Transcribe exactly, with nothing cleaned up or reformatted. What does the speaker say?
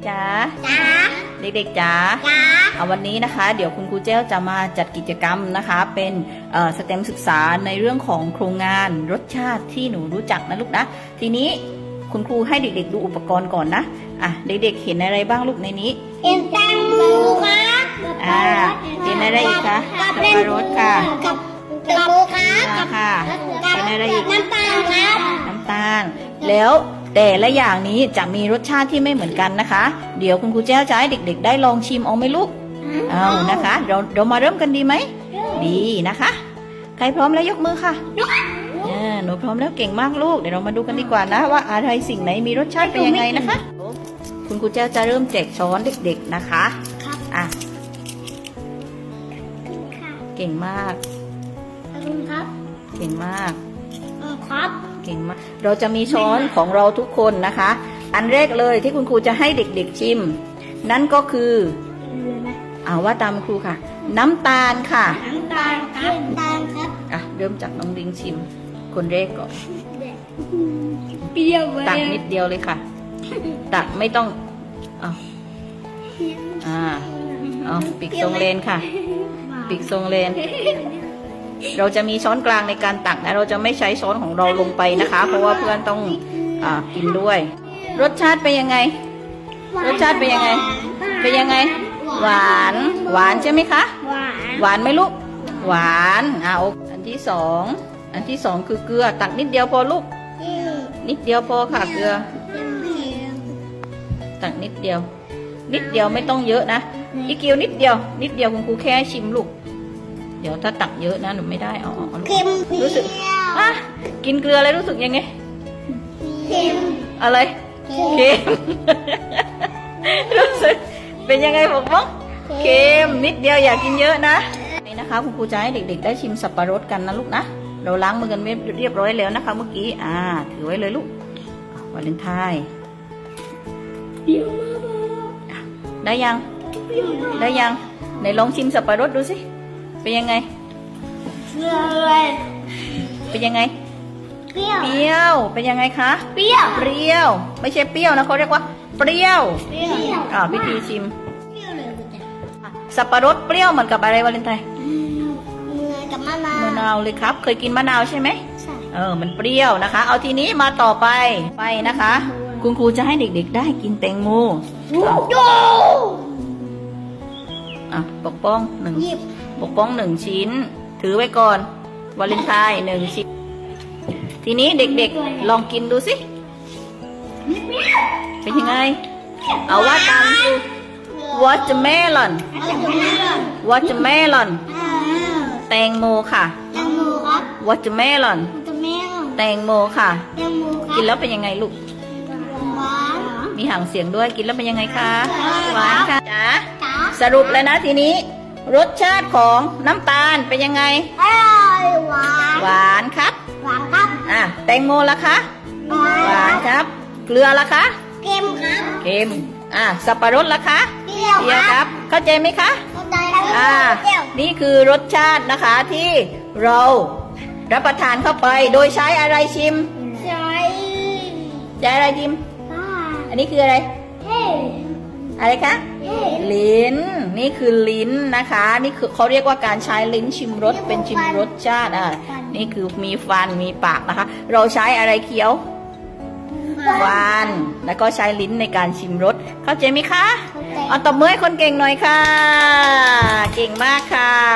ๆจ๋าจ๋าเด็กๆจ๋าจ๋าเอาวันนี้นะคะเดี๋ยวคุณครูเจ้าจะมาจัดกิจกรรมนะคะเป็นสเต็มศึกษาในเรื่องของโครงงานรสชาติที่หนูรู้จักนะลูกนะทีนี้คุณครูให้เด็กๆดูอุปกรณ์ก่อนนะอ่ะเด็กๆเห็นอะไรบ้างลูกในนี้เห็นแตงโมครับอ่าเห็นอะไรอีกคะสับปะรดค่ะกับแตงโมครับค่ะเห็นอะไรอีกน้ำตาลครับน้ำตาลแล้วแต่ละอย่างนี้จะมีรสชาติที่ไม่เหมือนกันนะคะเดี๋ยวคุณครูแจ้วจะให้เด็กๆได้ลองชิมเอาไหมลูกเอานะคะเราเรามาเริ่มกันดีไหมดีนะคะใครพร้อมแล้วยกมือค่ะหนูพร้อมแล้วเก่งมากลูกเดี๋ยวเรามาดูกันดีกว่านะว่าอะไรสิ่งไหนมีรสชาติเป็นยังไงนะคะคุณครูแจ้วจะเริ่มแจกช้อนเด็กๆนะคะอ่ะเก่งมากขอบคุณครับเก่งมากครับเก่งมากเราจะมีช้อนของเราทุกคนนะคะอันแรกเลยที่คุณครูจะให้เด็กๆชิมนั่นก็คือเอาว่าตามครูค่ะน้ำตาลค่ะน้ำตาลครับน้ำตาลครับอ่ะเริ่มจากน้องลิงชิมคนแรกก่อนเปรี้ยวตักนิดเดียวเลยค่ะตักไม่ต้องเอาอ่าเอาปีกทรงเลนค่ะปีกทรงเลนเราจะมีช้อนกลางในการตักนะเราจะไม่ใช้ช้อนของเราลงไปนะคะเพราะว่าเพื่อนต้องอ่ากินด้วยรสชาติเป็นยังไงรสชาติเป็นยังไงเป็นยังไงหวานหวานใช่ไหมคะหวานหวานไหมลูกหวานอ่าอันที่สองอันที่สองคือเกลือตักนิดเดียวพอลูกนิดเดียวพอค่ะเกลือตักนิดเดียวนิดเดียวไม่ต้องเยอะนะอีกเกียวนิดเดียวนิดเดียวคุณครูแค่ชิมลูกเดี๋ยวถ้าตักเยอะนะหนูไม่ได้เอาเอาลูกรู้สึกอ่ะกินเกลืออะไรรู้สึกยังไงเค็มอะไรเค็มรู้สึกเป็นยังไงบอกว่าเค็มนิดเดียวอย่ากินเยอะนะนี่นะคะคุณครูจะให้เด็กๆได้ชิมสับปะรดกันนะลูกนะเราล้างมือกันเรียบร้อยแล้วนะคะเมื่อกี้อ่าถือไว้เลยลูกวาเลนไทน์ได้ยังได้ยังไหนลองชิมสับปะรดดูสิเป็นยังไงเป็นยังไงเปรี้ยวเปรี้ยวเป็นยังไงคะเปรี้ยวเปรี้ยวไม่ใช่เปรี้ยวนะเขาเรียกว่าเปรี้ยวเปรี้ยวอ่าพิธีชิมเปรี้ยวเลยสับปะรดเปรี้ยวเหมือนกับอะไรวาเลนไทน์เหมือนกับมะนาวมะนาวเลยครับเคยกินมะนาวใช่ไหมใช่เออมันเปรี้ยวนะคะเอาทีนี้มาต่อไปไปนะคะคุณครูจะให้เด็กๆได้กินแตงโมอ่ะปกป้องหนึ่งปกป้องหนึ่งชิ้นถือไว้ก่อนวาเลนไทน์หนึ่งชิ้นทีนี้เด็กๆลองกินดูสิเป็นยังไงเอาว่าตามคือ watermelon watermelon แตงโมค่ะแตงโมครับ watermelon แตงโมค่ะแตงโมครับกินแล้วเป็นยังไงลูกหวานมีหางเสียงด้วยกินแล้วเป็นยังไงคะหวานค่ะจ๋าจ๋าสรุปเลยนะทีนี้รสชาติของน้ำตาลเป็นยังไงอร่อยหวานหวานครับหวานครับอ่ะแตงโมล่ะคะหวานครับเกลือล่ะคะเค็มครับเค็มอ่ะสับปะรดล่ะคะเปรี้ยวครับเข้าใจไหมคะเข้าใจครับอ่านี่คือรสชาตินะคะที่เรารับประทานเข้าไปโดยใช้อะไรชิมใช้ใช้อะไรชิมอันนี้คืออะไรอะไรคะลิ้นนี่คือลิ้นนะคะนี่คือเขาเรียกว่าการใช้ลิ้นชิมรสเป็นชิมรสชาติอ่ะนี่คือมีฟันมีปากนะคะเราใช้อะไรเคี้ยวฟันแล้วก็ใช้ลิ้นในการชิมรสเข้าใจไหมคะเอาตบมือให้คนเก่งหน่อยค่ะเก่งมากค่ะ